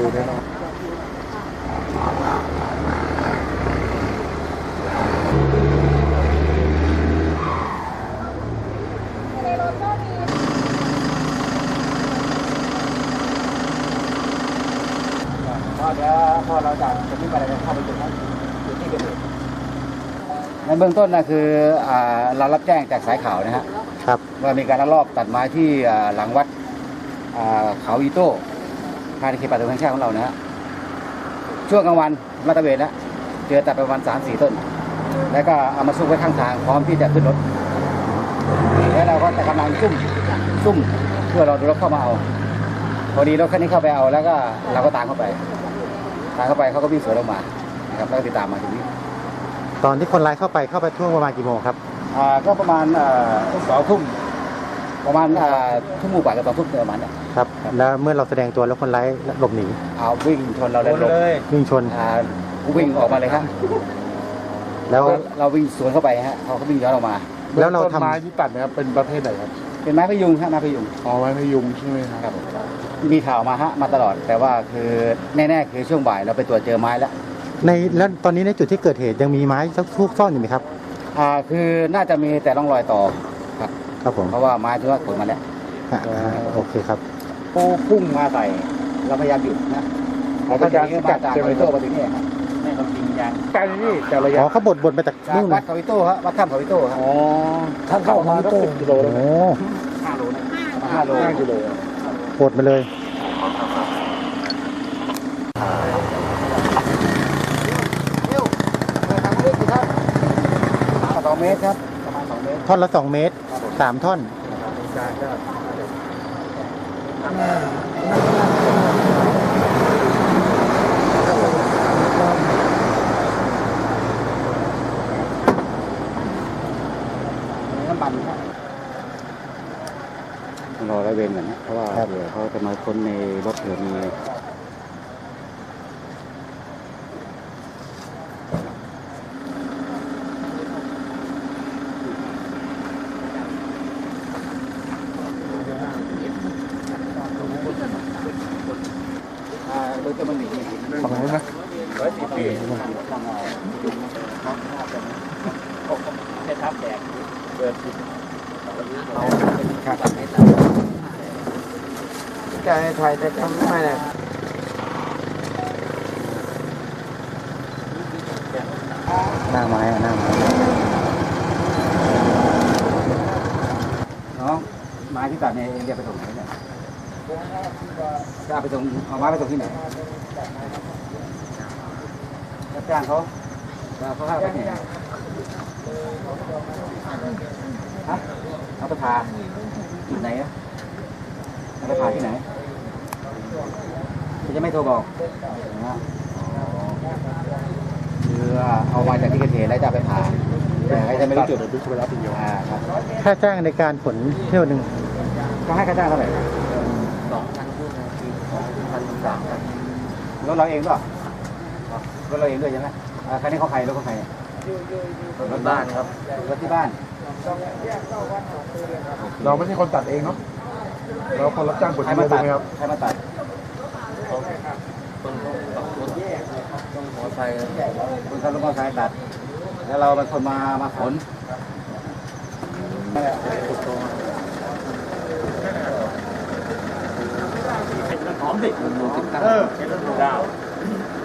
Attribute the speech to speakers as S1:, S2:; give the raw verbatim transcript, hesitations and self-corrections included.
S1: แน่นอน
S2: พอเดี๋ยวพอเราจะจะมีอะไรเข้าไปจุดนั้นจุดที่เกิดเหตุในเบื้องต้นนะคือเรารับแจ้งจากสายข่าวนะฮะครับว่ามีการลักลอบตัดไม้ที่หลังวัดเขาอีโต้ภายในเขตป่าสงวนแห่งชาติของเรานะฮะช่วงกลางวันมาตระเวนแล้วเจอตัดไปประมาณสามสี่ต้นแล้วก็เอามาซุกไว้ข้างทางพร้อมที่จะขึ้นรถแล้วเราก็จะกำลังซุ่มซุ่มเพื่อรอดูรถเข้ามาเอาพอดีรถคันนี้เข้าไปเอาแล้วก็เราก็ตามเข้าไปตามเข้าไปเขาก็วิ่งสวนออกมานะครับแล้วก็ติดตามมาถึงนี้
S1: ตอนที่คนร้ายเข้าไปเข้าไปช่วงประมาณกี่โมงครับ
S2: อ่าก็ประมาณสองทุ่มประมาณทุ่มหมู่ป่ากับสองทุ่มประมาณนี้
S1: ครับแล้วเมื่อเราแสดงตัวแล้วคนร้ายหลบหนี
S2: เอาวิ่งชนเราแล้วหลบ
S1: วิ่งชน
S2: อ่าวิ่งออกมาเลยครับแล้วเราวิ่งสวนเข้าไปฮะเขาก็วิ่งย้อนออกมา
S1: แล้วเราทำ
S3: ไม้ที่ตัดนะครับเป็นประเภทไหนครับ
S2: เป็นไม้พยุงฮะไม้พยุง
S3: อ๋อไม้พยุงใช่ไหมครับ
S2: มีข่าวมาฮะมาตลอดแต่ว่าคือแน่ๆคือช่วงบ่ายเราไปตรวจเจอไม้แล้ว
S1: ในแล้วตอนนี้ในจุดที่เกิดเหตุยังมีไม้ซักทุกซ่อนอยู่ไหมครับ
S2: อ่าคือน่าจะมีแต่ร่องรอยต่อครับ
S1: ครับผม
S2: เพราะว่าไม้ที่ว่าขนมาแล้ว
S1: โอเคครับ
S2: ปูพุ่งมาใส่เราพยายามหยุดนะเราก็จะมาจากเขาอิโต้มาถึงนี่ครับไม่ต้องยิงยาง
S3: ไกลนี่แต่ระยะ
S1: อ๋อเขาบดบดมาจาก
S2: นู่นวัดเขาอิโต้ฮะวัดถ้ำเขาอิโต้ครับ
S3: อ๋อท่านเข้ามาก็สิบกิโลแล้ว
S1: โอ้
S2: ห้าโลนะห้าโล
S3: ห้ากิโล
S1: บดมาเลย
S2: สองเมตรครับประมาณสองเมตร
S1: ท่อนละสองเมตรสามท่อน
S2: น้ำมันครับรอร้อยเวรก่อนนะเพราะว่าเดี๋ยวเขาจะมาค้นในรถเผื่อมีโดยจะมันหนี
S3: ฝั่งนู้นนะ
S2: ร้อยสี่ปีจะทับแดดเกิดเขาขาดไม่ได้ใจไทยจะทำไม่ได้
S1: หน้าไม้หน้าไม้
S2: น้องไม้ที่ตัดเนี่ยเรียกไปตรงไหนเนี่ยจะเอาไปตรงเอาไม้ไปตรงที่ไหนรับจ้างเขาเขาให้ไปไหนฮะเอาไปพาที่ไหนอะเอาไปพาที่ไหนจะไม่โทรบอกนะคือเอามาจากที่เกิดเหตุแล้วจะไปพาแต่ให้จะไม่รู้จุด
S3: ดูเวลาเป็นเยอะ
S2: ครับ
S1: ค่าจ้างในการขนเที่ยวหนึ่ง
S2: ก็ให้ค่าจ้างเท่าไหร่สองพันคูณสี่พันสามรถเราเองป่ะรถเราเองด้วยใช่ไหมคันนี้เขาใครรถเขาใครรถบ้านครับรถที่บ้าน
S3: เราไม่ใช่คนตัดเองเนาะเราคนรับจ้างขน
S2: ใครมาตัดใครมาตัดคนคนมอไซค์คนขับรถมอไซค์ตัดแล้วเราเป็นคนมามาขนหอมดิเออดาว